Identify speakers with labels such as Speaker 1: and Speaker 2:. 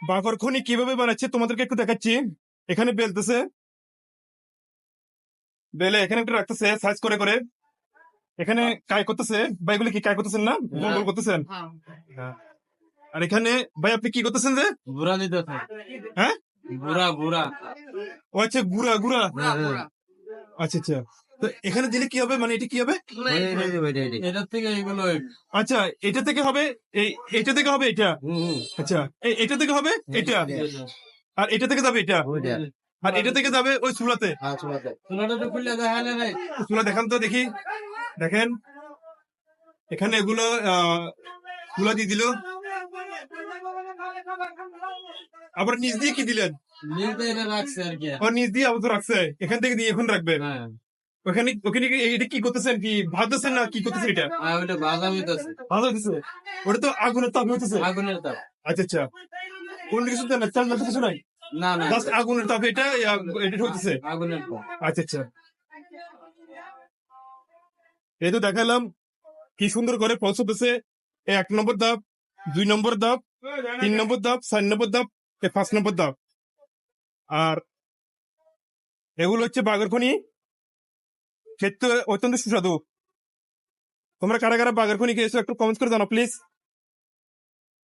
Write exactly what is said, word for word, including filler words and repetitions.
Speaker 1: বাঘর খনি কিভাবে বানাচ্ছে তোমাদেরকে একটু দেখাচ্ছি। এখানে বেলতেছে, বেলে এখানে একটু রাখতেছে সাইজ করে করে, এখানে কাজ করতেছে। ভাই এগুলো কি কাজ করতেছেন না, গোল গোল করতেছেন? হ্যাঁ। আর এখানে ভাই আপনি কি করতেছেন যে?
Speaker 2: বুড়া দিতেছে।
Speaker 1: হ্যাঁ,
Speaker 2: বুড়া বুড়া
Speaker 1: ও আচ্ছা, গুড়া গুড়া।
Speaker 2: হ্যাঁ,
Speaker 1: আচ্ছা আচ্ছা, তো এখানে দিলে কি হবে, মানে এটা কি হবে?
Speaker 2: এটার থেকে এইগুলো হইবে।
Speaker 1: আচ্ছা, এটা থেকে হবে এই, এটা থেকে হবে এটা।
Speaker 2: হুম,
Speaker 1: আচ্ছা, এই এটা থেকে হবে এটা, আর এটা থেকে যাবে এটা, আর এটা থেকে যাবে ওই চুলাতে।
Speaker 2: চুলাটা তো খুললে দেখালে নাই।
Speaker 1: চুলা দেখান তো দেখি, দেখেন এখানে এগুলো আহ চুলা দিয়ে দিল, আবার নিচ দিয়ে কি দিলেন?
Speaker 2: নিচে এটা রাখছে আর কি।
Speaker 1: আবার নিচ দিয়ে আবার তো রাখছে, এখান থেকে দিয়ে এখন রাখবেন।
Speaker 2: হ্যাঁ,
Speaker 1: ওখানে ওখানে কি- এটা কি করতেছেন, কি ভাত দিচ্ছেন না কি করতেছেন এটা?
Speaker 2: আর ওইটা ভাজা হইতেছে।
Speaker 1: ভাত হইতেছে, ওটা তো আগুনের তাপ হইতেছে।
Speaker 2: আগুনের তাপ।
Speaker 1: আচ্ছা আচ্ছা, কোন কিছু দেন না, চাল ডাল কিছু নাই,
Speaker 2: না না,
Speaker 1: জাস্ট আগুনের তাপ, এটা এটা হইতেছে।
Speaker 2: আগুনের তাপ।
Speaker 1: আচ্ছা আচ্ছা, এই তো দেখালাম কি সুন্দর করে পৌঁছতেছে। এক নম্বর ধাপ, দুই নম্বর ধাপ, তিন নম্বর ধাপ, চার নম্বর ধাপ, এ পাঁচ নম্বর ধাপ। আর এগুলো হচ্ছে বাগরখনি, খেতে অত্যন্ত সুস্বাদু। তোমরা কারা কারা বাগরখনি খেয়েছো একটু কমেন্ট করে জানাও প্লিজ।